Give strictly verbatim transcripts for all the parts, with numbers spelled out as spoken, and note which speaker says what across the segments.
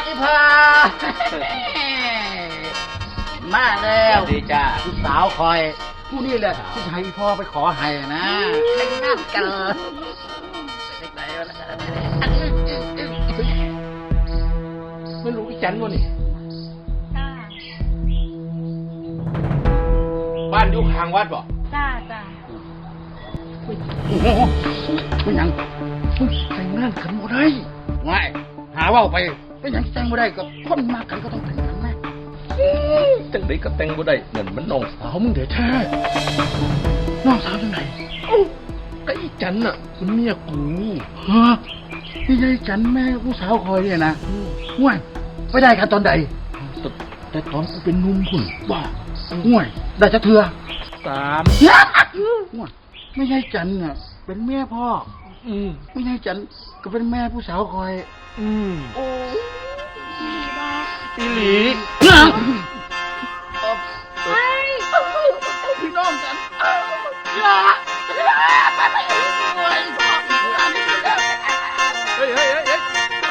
Speaker 1: อีพามาแล้วดีจ้าลูกสาวคอยผู้นี่แหละที่ให้พ่อไปขอให้นะแต่งงานกัน
Speaker 2: ไม่รู้อีจันวะนี่บ้านอยู่ข้างวัดบ่
Speaker 3: จ้าจ้า
Speaker 1: โอ้โหเป็นยังแต่งงานกันบ่ได้ง่ายหาว่าไปเป็นยังแต่งบ่ได้ก็คนมากกันก็ต้องแต่งกันนะ
Speaker 2: จังไดก็แต่งบ่ได้เหมือนมันน้องสาวมึงเด้อแท้
Speaker 1: น้องสาวจังไหน
Speaker 2: ก็อีจันน่ะมันเมียกู
Speaker 1: ฮะนี่ยายจันแม่ผู้สาวคอยเนี่ยนะง่วยไปได้กันตอนใดแต่ตอนกูเป็นนุ่มคุณว่าง่วยได้จะเถื่อ
Speaker 2: สาม
Speaker 1: ง่วยไม่ใช่จันน่ะเป็นแม่พ่อ
Speaker 2: อืม
Speaker 1: ไม่ใช่จันก็เป็นแม่ผู้สาวคอย
Speaker 2: อืม
Speaker 3: โอ้
Speaker 2: อีหลี
Speaker 3: ไอ้
Speaker 1: พี่น้องกัน
Speaker 2: เฮ้ยเฮ้ยเฮ้ยเฮ้ย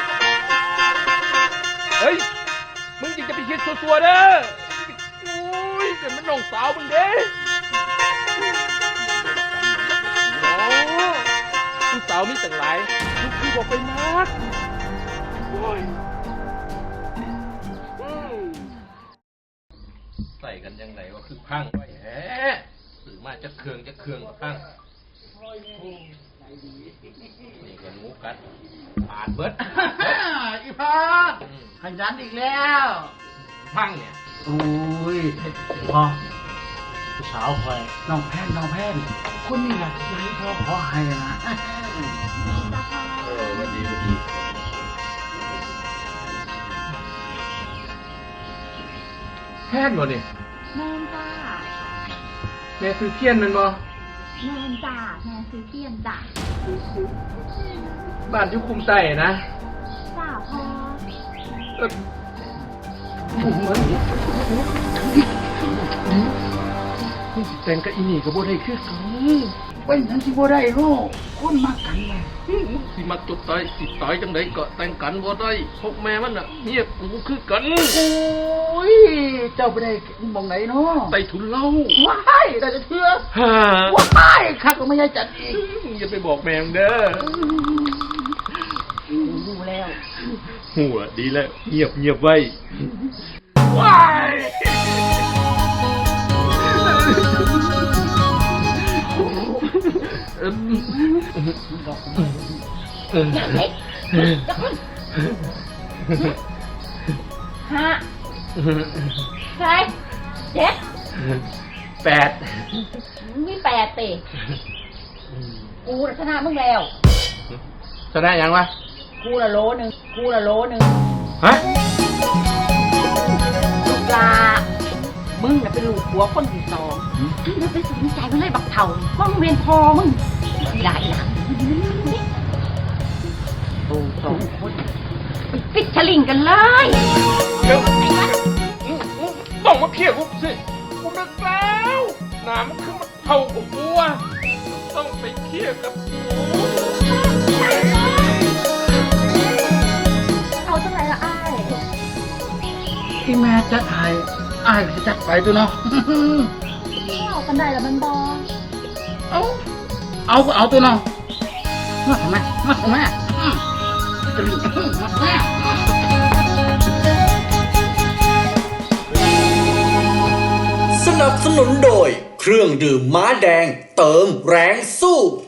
Speaker 2: เฮ้ยมึงจริงจะไปคิดซัวๆเด้ออุ้ยเป็นมันน้องสาวมึงเด้ผู้สาวมีตั้งหลายลูกคือบอกไปมากโอ้ยใส่กันยังไงว่าคือพังไว้แฮะสื่อมาจะเครื่องจะเครื่องพังนี่กันงูกัดปาดเบิด
Speaker 1: อีพาขยันอีกแล้ว
Speaker 2: พังเนี่ย
Speaker 1: โอ้ยพ่อผู้สาวคอยน้องแพนน้องแพนคนนี้แหละยายพ่อขอให้นะ
Speaker 2: เออวันดีวันดีแพนบ่เนี่ย
Speaker 3: แม่นจ้า
Speaker 2: แม่ซื้อเทียนมันบ่
Speaker 3: แม่นจ้าแม่ซื้อเทียนจ้า
Speaker 2: บ้านยุคุมใส่นะ
Speaker 3: จ้าพ่อ
Speaker 2: เออผมมันแต่งกับอีนี่กับบ่ได้คือกัน
Speaker 1: เป็นยังสิบ่ได้โลกคนมากันเลย
Speaker 2: สิมาจุดตายสิตายจังไดก็แต่งกันบ่ได้พวกแม่มันน่ะเมียกูคือกัน
Speaker 1: โอ้ยเจ้าไปได้มองไหนเนาะ
Speaker 2: ใต้ถุนเล่า
Speaker 1: ว้ายได้จะเชื่อว้ายข้าก็ไม่ใช่จัดอีก
Speaker 2: อย่าไปบอกแม่เด้อ
Speaker 1: รู้แล้ว
Speaker 2: หัวดีแล้วเงียบเงียบไว้ว้าย
Speaker 3: ฮะใช่เจ็ด
Speaker 2: แปด
Speaker 3: มีแปดติกูชนะมึงแล้ว
Speaker 2: ชนะยังวะ
Speaker 3: กูละโลนึงกูละโลนึง
Speaker 2: ฮะ
Speaker 3: ลูกลามึงน่ะเป็นลูกหัวคนที่สองมึงไปสนใจมันเลยบักเถ่าเพราะมึงเป็นพอมึงได้ละโอ้สองคนปิดฉลิงกันเลย
Speaker 2: เดี๋ยวต้องมาเคลียร์กูสิกูนึกแล้วน้ำมันคือมันเท่ากับกูอ่ะต้องไปเคลียร์กับกู
Speaker 3: เอาเท่าไหร่ละไอ้
Speaker 1: ที่แม่จัดให้อ้ายจะจัดไปตัวเนาะ
Speaker 3: เอากันได้แล้วมันบอ
Speaker 1: เอาเอาก็เอาตัวเนาะมาทำไมมาทำไมจะรีบมาทำไม
Speaker 4: สนับสนุนโดยเครื่องดื่มม้าแดงเติมแรงสู้